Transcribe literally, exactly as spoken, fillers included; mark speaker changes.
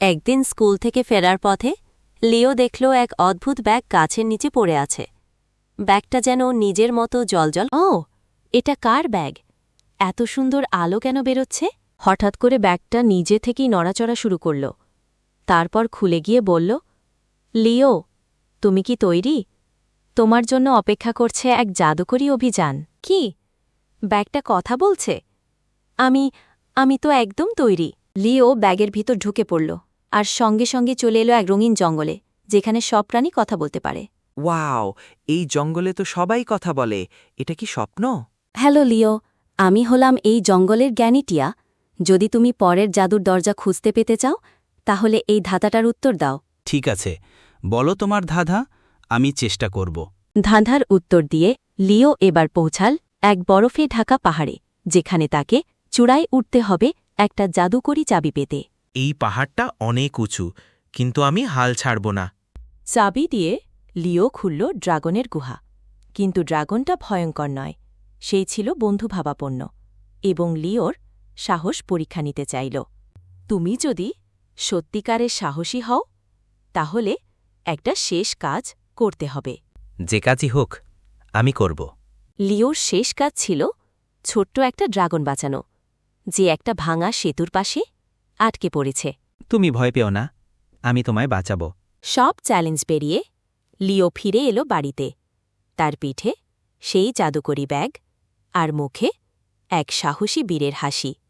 Speaker 1: একদিন স্কুল থেকে ফেরার পথে লিও দেখল এক অদ্ভুত ব্যাগ গাছের নিচে পড়ে আছে। ব্যাগটা যেন নিজের মতো জলজল। ও, এটা কার ব্যাগ? এত সুন্দর আলো কেন বেরোচ্ছে? হঠাৎ করে ব্যাগটা নিজে থেকেই নড়াচড়া শুরু করল। তারপর খুলে গিয়ে বলল, লিও, তুমি কি তৈরি? তোমার জন্য অপেক্ষা করছে এক জাদুকরী অভিযান। কি? ব্যাগটা কথা বলছে? আমি আমি তো একদম তৈরি। লিও ব্যাগের ভিতর ঢুকে পড়ল আর সঙ্গে সঙ্গে চলে এলো এক রঙিন জঙ্গলে, যেখানে সব প্রাণী কথা বলতে পারে।
Speaker 2: ওয়াও, এই জঙ্গলে তো সবাই কথা বলে। এটা কি স্বপ্ন?
Speaker 1: হ্যালো লিও, আমি হলাম এই জঙ্গলের জ্ঞানীটিয়া। যদি তুমি পরের জাদুর দরজা খুঁজতে পেতে চাও, তাহলে এই ধাঁধাটার উত্তর দাও।
Speaker 3: ঠিক আছে, বলো তোমার ধাঁধা, আমি চেষ্টা করব।
Speaker 1: ধাঁধার উত্তর দিয়ে লিও এবার পৌঁছাল এক বরফে ঢাকা পাহাড়ে, যেখানে তাকে চূড়ায় উঠতে হবে একটা জাদুকরী চাবি পেতে।
Speaker 4: এই পাহাড়টা অনেক উঁচু, কিন্তু আমি হাল ছাড়ব না।
Speaker 1: চাবি দিয়ে লিও খুলল ড্রাগনের গুহা। কিন্তু ড্রাগনটা ভয়ঙ্কর নয়, সেই ছিল বন্ধুভাবাপন্ন এবং লিওর সাহস পরীক্ষা নিতে চাইল। তুমি যদি সত্যিকারের সাহসী হও, তাহলে একটা শেষ কাজ করতে হবে।
Speaker 2: যে কাজই হোক, আমি করব।
Speaker 1: লিওর শেষ কাজ ছিল ছোট্ট একটা ড্রাগন বাঁচানো, যে একটা ভাঙা সেতুর পাশে আটকে পড়েছে।
Speaker 2: তুমি ভয় পেও না, আমি তোমায় বাঁচাবো।
Speaker 1: সব চ্যালেঞ্জ পেরিয়ে লিও ফিরে এলো বাড়িতে। তার পিঠে সেই জাদুকরী ব্যাগ আর মুখে এক সাহসী বীরের হাসি।